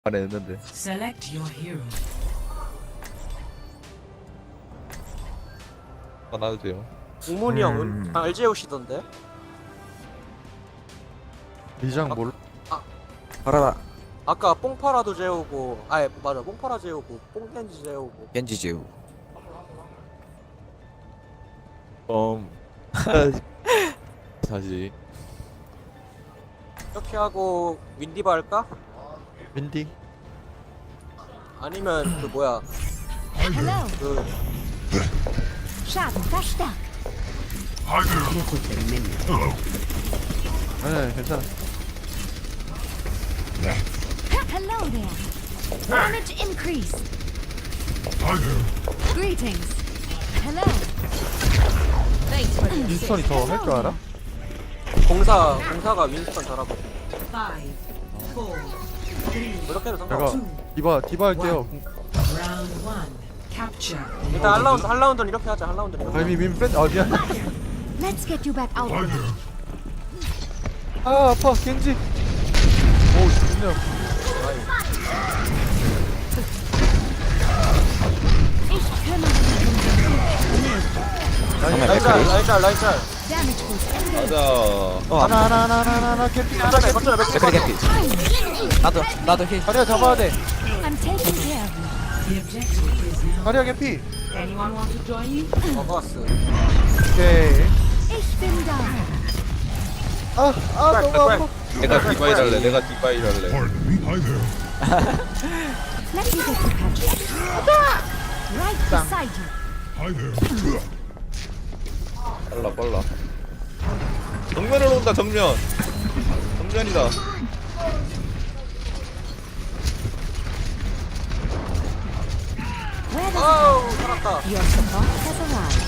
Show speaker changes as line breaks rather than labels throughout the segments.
말했는데.
Select your hero.
나도 돼요.
우문이 형은 알제 오시던데?
리장 몰
알아라.
아까 뽕파라도 재우고 아예 맞아 뽕파라 재우고 뽕겐지 재우고
겐지 제우.
다시.
이렇게 하고 윈디바 할까?
윈디
아니면 그 뭐야
Hello,
그
Schaden verstärkt.
네 괜찮아.
Hello there. Damage increase. Greetings. Hello. Thanks for the
윈스턴이 더 할 줄 알아?
공사가 윈스턴 잘하고
Five, four,
그렇게 해도
내가
상관없어
디바 할게요.
round one. Capture.
일단 한 라운드는 이렇게 하자 한 라운드는 이렇게
아니 민 뺀. 아 미안.
Let's get you back out there.
아 아파 겐지. 오 좋네요.
Ich kümmere mich um den
라인짤
Damage boost.
가자.
하나 캡피.
거점에
맥크리 개피. 나도 힐.
다리야 잡아야 돼.
I'm taking care of you.
The objective is now.
다리야 개피.
Anyone want to join you?
먹어왔어
오케이.
Ich bin da.
아 너무 아파.
내가 디바일 할래. 내가 디바일 할래.
Let me get you patched. Right beside you.
빨라. 정면으로 온다. 정면이다.
Where does
아우 살았다
your support has arrived?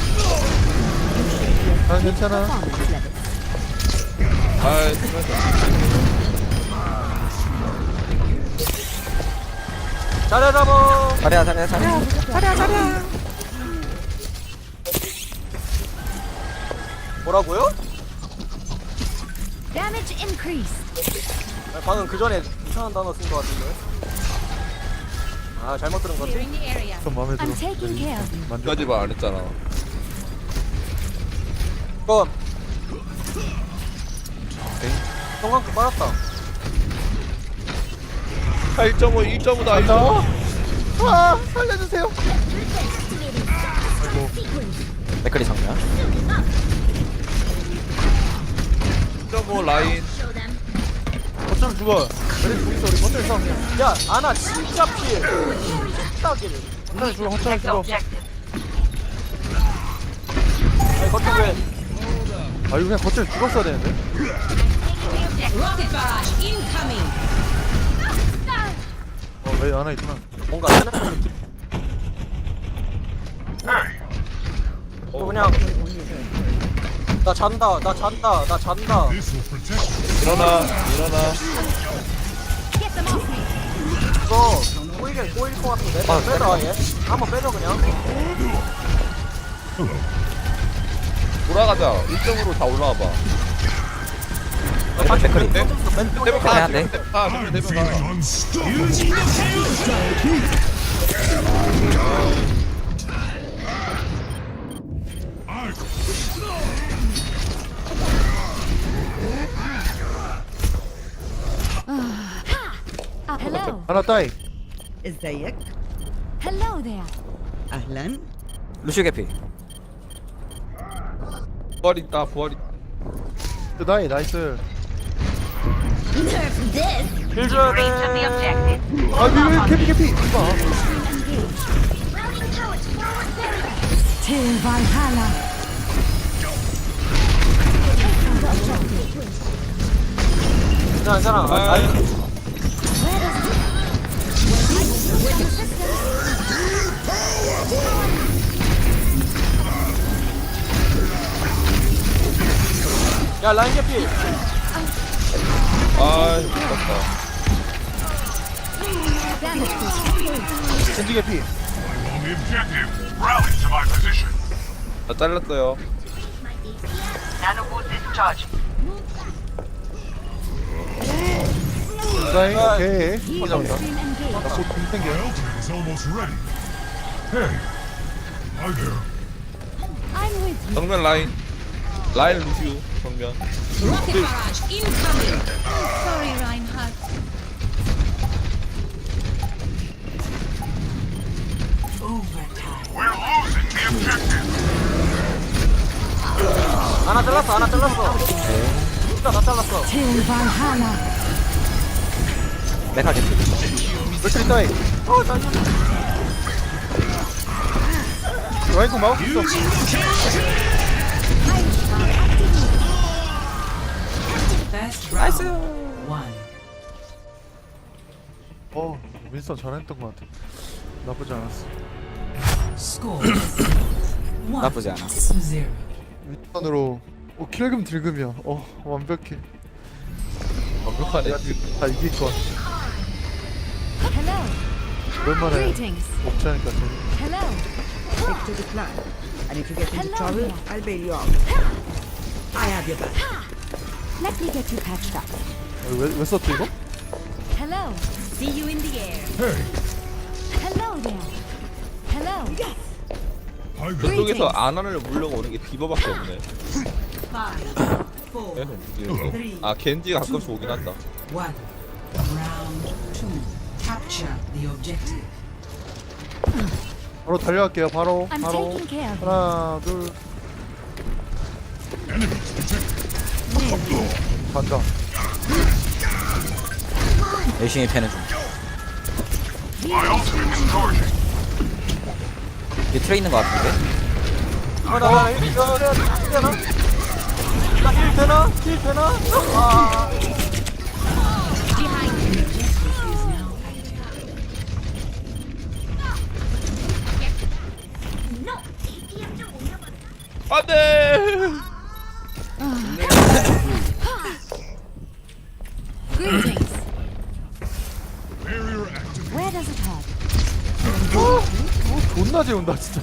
난 괜찮아.
Performance level.
아, 정말.
잘해 잡어
자리야.
뭐라고요?
Damage increase.
아니, 방금 그 전에 이상한 단어 쓴 거 같은데 아 잘못 들은 거지?
좀 마음에 들어.
I'm taking care of you.
만족.
까지 말 안 했잖아.
이거 성광급 빨았다
1.5다.
간다. 아 살려주세요.
맥크리 정면.
1.5 라인.
어쩜 죽어. 그래 죽 있어 우리 버튼 싸움.
야 아나 진짜 피해 딱이래
어쩜 죽어. 어쩜 죽어.
아니 거점 왜
아 이거 그냥 거점 죽었어야 되는데.
Rocket barrage incoming.
왜 하나 있구나.
뭔가 스냅 느낌 또 그냥 나 잔다
일어나.
Get them off me.
이거 꼬일 것 같은데 빼자 아예 한번 빼줘 그냥
돌아가자. 1점으로 다 올라와봐.
맥크리.
대박
해야 돼.
Hello.
하나 따이.
ازيك؟
Hello there.
اهلا.
루시오 개피.
부활 있다.
그 따이 나이스.
힐 줘야 돼
아 왜 개피. 이봐.
Till Valhalla.
괜찮아 야 라인 개피
아, 미쳤다.
Damage boost.
겐지 개피.
나 잘랐어요.
Nanobot discharged.
다잉 오케이
Heal
감사합니다
stream engaged.
나곧 공생겨요
is almost ready. Hey, hi there.
I'm with you.
정면 라인. 라인 루시우 정면.
Rocket barrage incoming.
Sorry, Reinhardt.
Overtime.
하나 잘랐어 하나 잘랐어 진짜 다 잘랐어
Till Valhalla.
메카 개피.
맥크리 다잉 라이코 마우스 있어
First round. One.
윈스턴 잘했던 것 같아 나쁘지 않았어
Score. One
나쁘지 않아.
to zero.
윈스턴으로 킬금 딜금이야 완벽해
완벽하네.
다 이길 것 같아
Hello.
오랜만에
Greetings.
복지하니까 재밌네
Hello.
Stick to the plan. And if you get into
Hello
trouble,
there.
I'll bail you out. I have your back.
Let me get you patched up.
왜 썼지 이거?
Hello. See you in the air.
Hey,
Hello there. Hello.
hi there.
저쪽에서 아나를 물려고 오는 게 디버밖에 없네.
Five, four,
얘는 이게 아 겐지가 가끔씩 오긴 한다.
one. Round two. Capture the objective.
바로 달려갈게요 바로
I'm
바로
taking care of you.
하나 둘 간다
열심히 패는 중. 뒤에 트레 있는 거 같은데?
나힐 되나? 나힐 되나? 힐 되나? 아
Behind you. Objective is now active.
안돼.
Greetings.
Barrier active.
Where does it hurt?
존나 재운다 진짜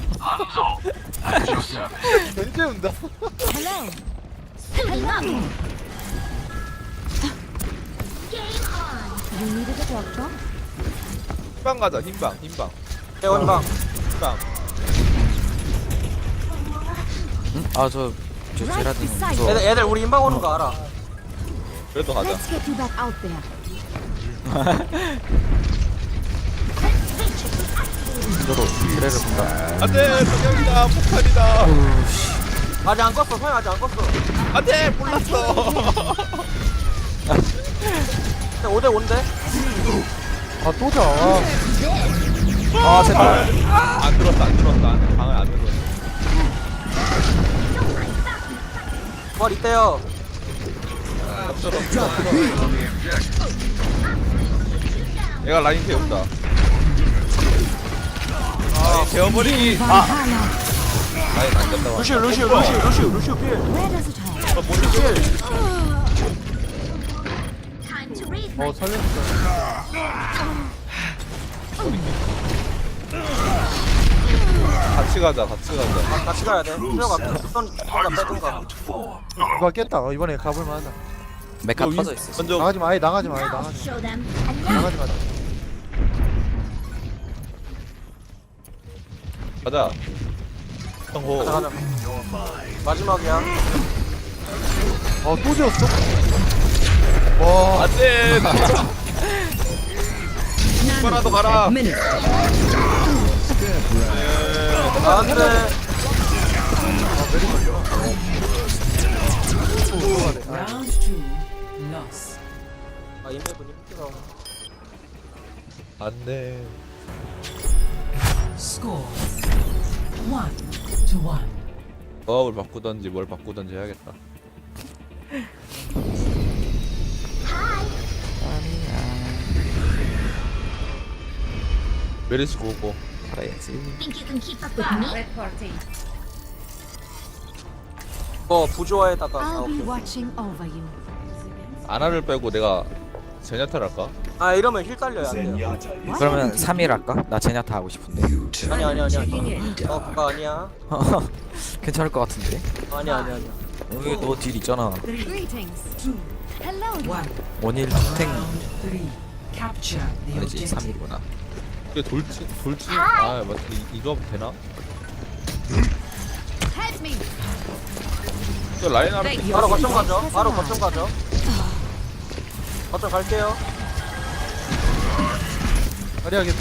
개 재운다
Hello. Hello. You needed a doctor?
흰방 가자. 흰방.
대원방
흰방.
응? 저 제라딘
beside
저
애들 우리 인방 오는 거 알아
그래도 가자.
Let's get you back out there.
저도 트레를 본다.
안돼. 석영이다. 폭탄이다.
아직 안 껐어 소영 아직 안 껐어
안돼. 몰랐어.
5대5인데?
아또자
아 제발.
안 들었다. 방을 안 들었어.
뭘 이때요
얘가 라인 태운다. 라인 태워버리기.
Valhalla.
라인 안 된다.
루시우 필
Where does it hurt?
살렸어
같이 가자.
같이 가야 돼 소영아 손 빼든가
이거 깼다 이번에 가볼만 하다
메카 터져 있어.
먼저
나가지마 아예 나가지마 나가지마
가자. 성호.
가자 마지막이야
또 재웠어? 와
안돼. 이거라도 가라.
안돼
Round two. Loss.
아 인맥은 힘들어
안돼.
Score. 1-1.
조합을 바꾸던지 뭘 바꾸던지 해야겠다. 메리스 고고.
살아야지.
Reporting.
부조화에다가
I'll be
오케이.
watching over you.
아나를 빼고 내가 제냐타를 할까?
아 이러면 힐 딸려야 안 돼요
그러면 3일 할까? 나 제냐타 하고 싶은데.
아니야 그거 아니야
괜찮을 것 같은데.
아니야
여기 너 딜 있잖아.
Greetings.
2.
Hello.
One.
원일 투탱
Round 3. Capture the
아니지
objective.
3일구나.
이게 돌진 아 맞다 이거 되나?
Help me.
저 라인 아래
바로 거점 가죠. 바로 거점 가죠. 거점 갈게요.
자리하겠지.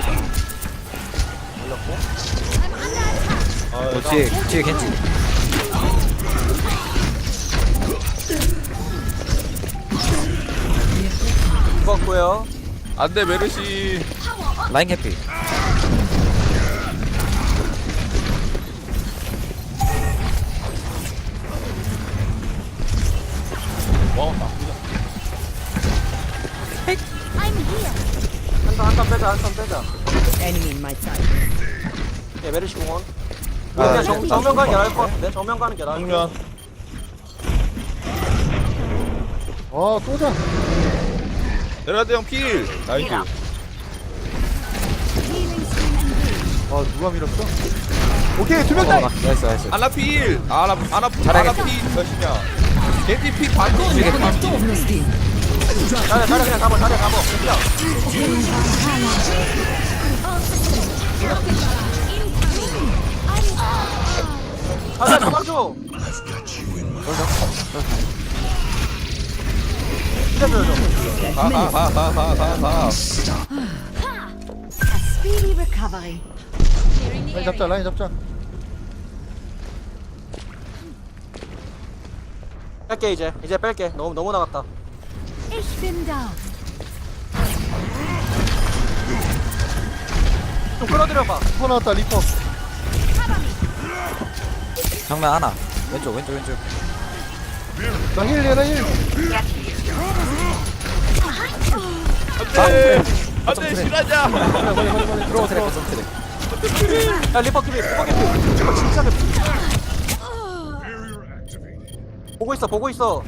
올렸고.
너 뒤에 겐지.
죽었고요.
안돼 메르시.
라인 캐피.
와 나쁘다.
I'm here.
한턴 빼자. 한턴 빼자.
Enemy in my sight.
예, 메르시 공원. 그냥 정면 가는 게 나을 것 같은데. 정면 가는 게 나을 것
정면.
쏘자.
내려대 형 필. 나이스.
Healing stream engaged.
누가 밀었어? 오케이, 2명 다.
나이스.
아나 필. 아나
잘하겠다.
필 몇이냐? 겐지 필 반피.
뒤에 겐지.
자리 그냥 잡아. 자리 잡아. 그냥. 자리 잡아줘.
가가가가가가.
A speedy recovery.
라인 잡자, 라인 잡자.
뺄게 이제 뺄게. 너무 나갔다.
Ich bin da.
좀 끌어들여봐.
리퍼 나왔다, 리퍼.
정면 하나. 왼쪽.
나 힐, 얘나 힐.
안돼 실하자.
들어와. 트랙.
야 리퍼 키비. 리퍼 진짜 개. 보고 있어.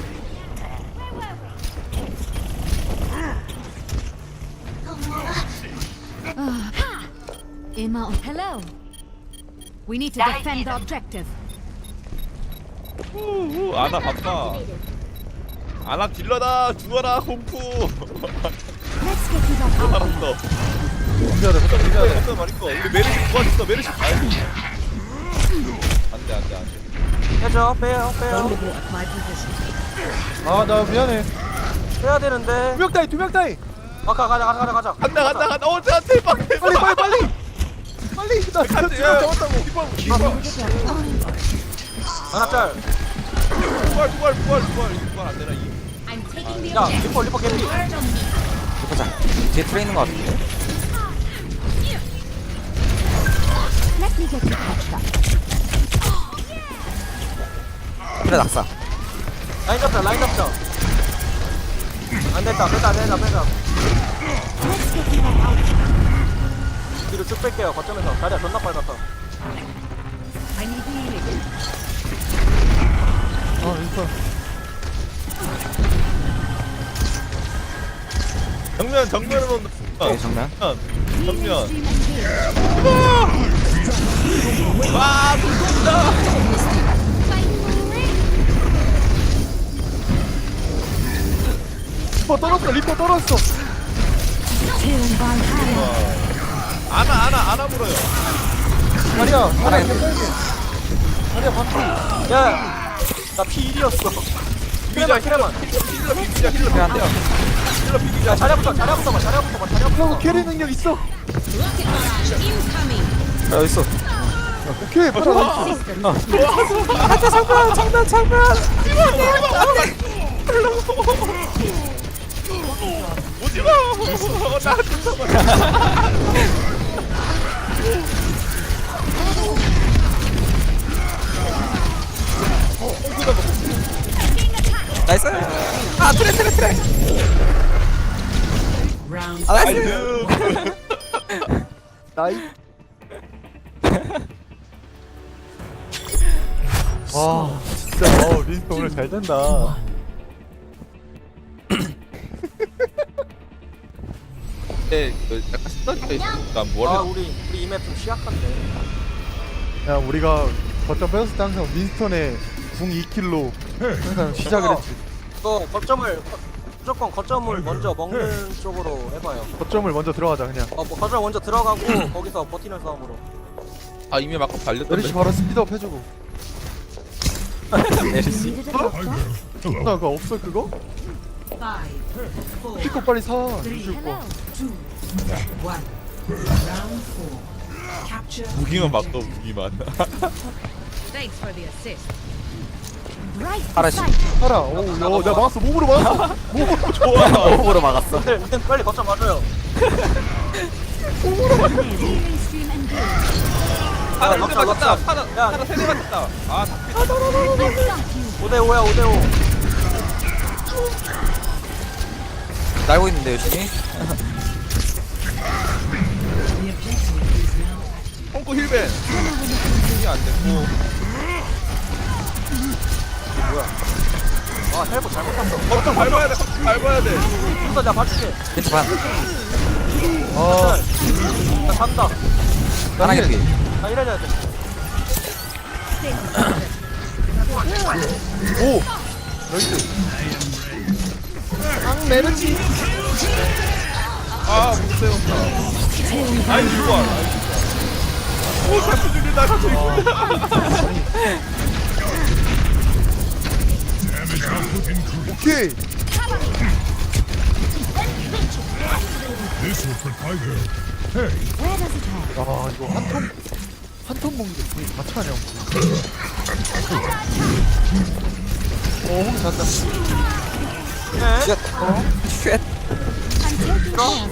Emma. Hello. We need to defend the objective.
아나 바빠. 아나 딜러다 죽어라 공포.
Let's get you back out.
알았어.
준비하자, 준비하자.
어떤 말이고 우리 메르시 구하셨어. 메르시 가야지. 안돼.
해줘. 빼요.
My position.
나 미안해.
빼야 되는데.
2명 따위.
가자.
간다. 대박.
빨리. 나
간다.
지금 잡았다고.
이번.
하나 짤.
부활 안 되나 이.
야 리퍼 개피.
보자. 뒤에 트레 있는 거 같은데.
Let me get you patched up.
트레 낙사.
라인 잡자. 안 됐다. 빼자.
Let's get you back out.
뒤로 쭉 뺄게요. 거점에서. 자리야 존나 빨갛다.
I need healing.
리퍼.
정면으로
오케이, 정면.
정면.
Stream engaged.
와 무섭다.
리퍼 떨어졌어.
Till Valhalla.
아나 물어요.
자리야,
하나 있네.
자리야, 반피.
야. 나 P1이었어.
비비자
키레만.
트레 한 대.
야 자리부터 봐.
형 캐리 능력 있어.
여기 있어.
오케이, 빨리.
장난.
오지마. 나한테 잡아.
나이스. 트레.
Round
나이스.
나이. 와, 진짜. 린스 오늘 잘 된다.
약간 신나게 있으니까
아
뭐라.
우리 이맵 좀 취약한데.
야, 우리가 거점 뺐을 때 항상 윈스턴의 궁 2킬로 항상 시작을 했지.
이거 무조건 거점을 먼저 먹는 쪽으로 해봐요.
거점을 먼저 들어가자 그냥.
뭐 거점 먼저 들어가고 거기서 버티는 싸움으로.
아 이미 막 발렸던데.
메르시 바로 스피드업 해주고.
메르시.
Needed a doctor?
Hello.
나 그거 없어 그거?
5, 4,
피코 빨리 사.
3,
줄 거.
2, 1. Round 4. Capture.
무기만 막어 무기만.
Thanks for the assist.
Right
파라시.
beside you.
살아. 오, 야, 내가 막았어. 몸으로 막았어.
호흡으로 막았어.
근데 빨리 거점 맞아요.
Healing stream engaged.
하나
막자,
세대 맞았다.
막자.
하나
야.
하나 세대 맞았다. 아 잡히.
I stopped you.
5대5야 5대5.
날고 있는데 열심히.
The objective is now active.
펑크 힐벤. 힐이 안 됐고.
아 헬보 잘못 탔어.
거점 밟아야 돼. 거점 밟아야 돼.
우선 내가 봐줄게.
겐지 반.
아,
나 간다.
하나 개피.
나 이래야 돼.
오. 나이스. 앙 메르시.
아 못해요. 아이 좋아. 오 같이 죽인다. 같이 죽인다.
Damage output increased.
오케이.
This will provide her. Hey,
Where does it hurt?
아 이거 한턴 먹는 게 되게 다 차냐. 홍 잔다.
네.
쉣. 쉣.
I'm taking care.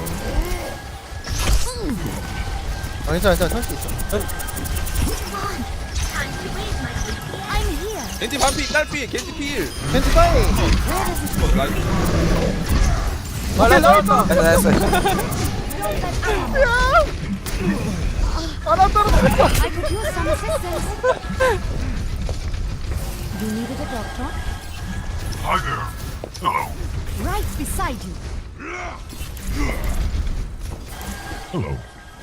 아 괜찮아 살수 있어.
I'm here.
겐지 반피 딸피 겐지 필.
겐지 따이.
나이스.
나이스.
나이스.
I could use some assistance. You needed a doctor?
hi there. Hello.
Right beside you.
Hello.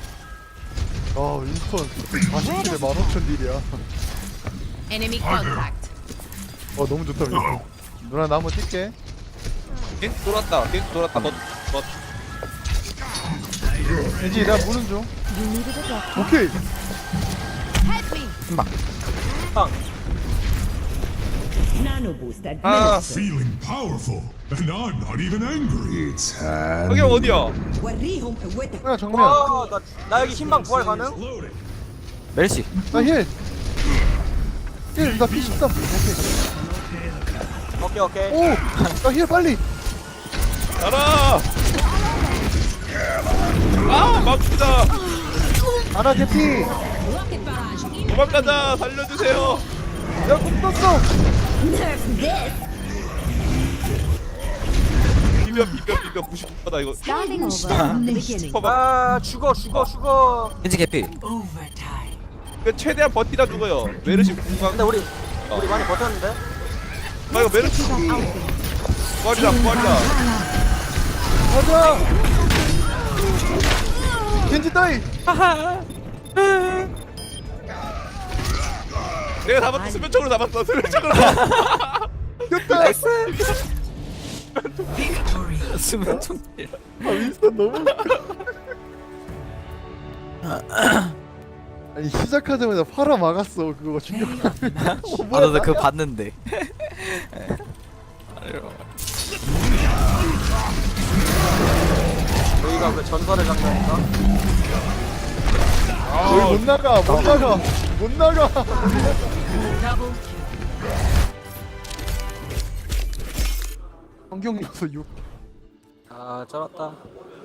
아 윈스턴 40킬에 15,000딜이야.
Enemy contact.
너무 좋다 윈스턴. 누나 나 한번 뛸게.
겐지 돌았다. 겐지 돌았다. 너
겐지 내가 보는 중.
You needed a doctor?
오케이.
Help me.
Nano boost
아
administered.
Feeling powerful, and I'm not even angry. It's
여기 어디야?
وريهم قوتك.
야 정면.
나 여기 흰방 부활 가능?
loaded.
메르시.
나 힐. 나 P13. 오케이.
오케이.
오. 나 힐 빨리.
가라. 아 막히다.
아나 개피.
Rocket barrage.
도망가자. 살려주세요.
야공 떴어.
비벼 99%다 이거.
Starting over from the beginning.
아 죽어.
겐지 개피.
Overtime.
이거 최대한 버티다 죽어요. 메르시 공간.
근데 우리 많이 버텼는데?
아 이거 메르시 부활이다.
가자. 겐지 따이.
내가 잡았어. 수면총으로 잡았어. 수면총으로.
됐다.
Victory.
수면 총.
아 윈스턴 너무. 아니 시작하자마자 팔아 막았어 그거 충격.
아 나도 그거 봤는데.
여기가 그 전설의 장면인가?
여기 못 나가.
Double kill.
성경 요소 6.
아 쩔었다.